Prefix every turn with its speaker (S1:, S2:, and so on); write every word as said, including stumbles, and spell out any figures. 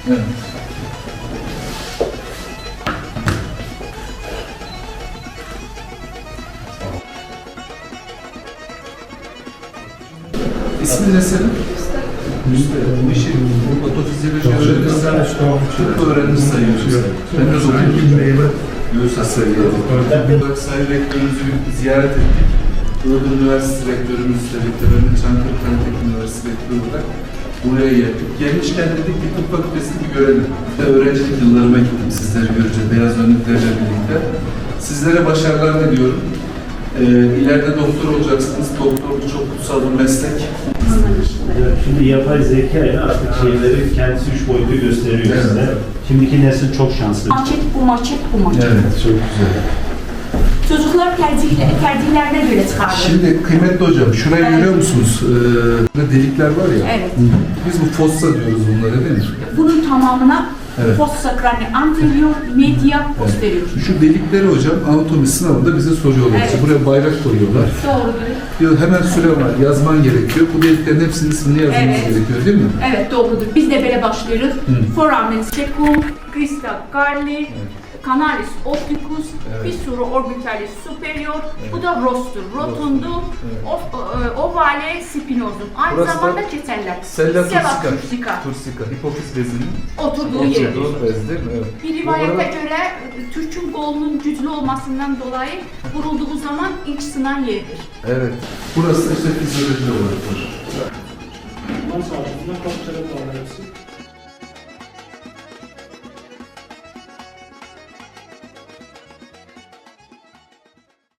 S1: Evet. İsmin ne senin? Bu işi patofizyoloji öğrenirsen tıp öğrenir sayıyorsun. Ben de okudum. Göğüs hastalığı. Sayın rektörümüzü bir ziyaret ettik. Iğdır Üniversitesi rektörümüzle birlikte, ben de Çankırı Teknik Üniversitesi rektörü olarak buraya geldik. Gelmişken dedik ki tıp fakültesini bir görelim. Ve öğrencilik yıllarıma gittim sizleri göreceğiz, beyaz önlüklerle birlikte. Sizlere başarılar diliyorum. Ee, ileride doktor olacaksınız. Doktorluk çok kutsal bir meslek.
S2: Evet, şimdi yapay zeka ile artık şeyleri kendisi üç boyutlu gösteriyor
S1: Evet.
S2: size. Şimdiki nesil çok şanslı.
S3: Maket bu maket bu maket.
S1: Evet, çok güzel.
S3: Çocuklar tercihle, tercihlerine göre çıkardı.
S1: Şimdi kıymetli hocam, şurayı
S3: Evet.
S1: görüyor musunuz? Ee, burada delikler var ya.
S3: Evet.
S1: Biz bu fossa diyoruz bunlara, değil mi?
S3: Bunun tamamına
S1: Evet.
S3: fossa crani anterior, media, posterior.
S1: Şu delikleri hocam anatomi sınavında bize soruyorlar.
S3: Evet.
S1: İşte buraya bayrak koyuyorlar.
S3: Doğrudur.
S1: Diyor hemen süre var, yazman gerekiyor. Bu deliklerin hepsinin ismini yazmamız
S3: Evet.
S1: gerekiyor, değil mi?
S3: Evet doğrudur. Biz de böyle başlıyoruz. Foramen secum, crista carli, canalis opticus,
S1: Evet.
S3: fissura orbitalis superior. Bu da rostur, rotundu,
S1: Evet.
S3: ov- e, ovale spinosum. Aynı
S1: Burası da
S3: zamanda ceteller.
S1: Sella
S3: Sella
S1: turcica.
S3: turcica.
S1: Turcica. Hipofiz bezinin
S3: Oturduğu yer.
S1: oturduğu bez değil mi? Evet.
S3: Bir
S1: Bu
S3: rivayete
S1: arada-
S3: göre e, Türk'ün kolunun güçlü olmasından dolayı vurulduğu zaman ilk sınan yeridir.
S1: Evet. Burası da işte fizyoloji olarak var.
S4: Bundan sonra bundan kaç kere daha hepsi?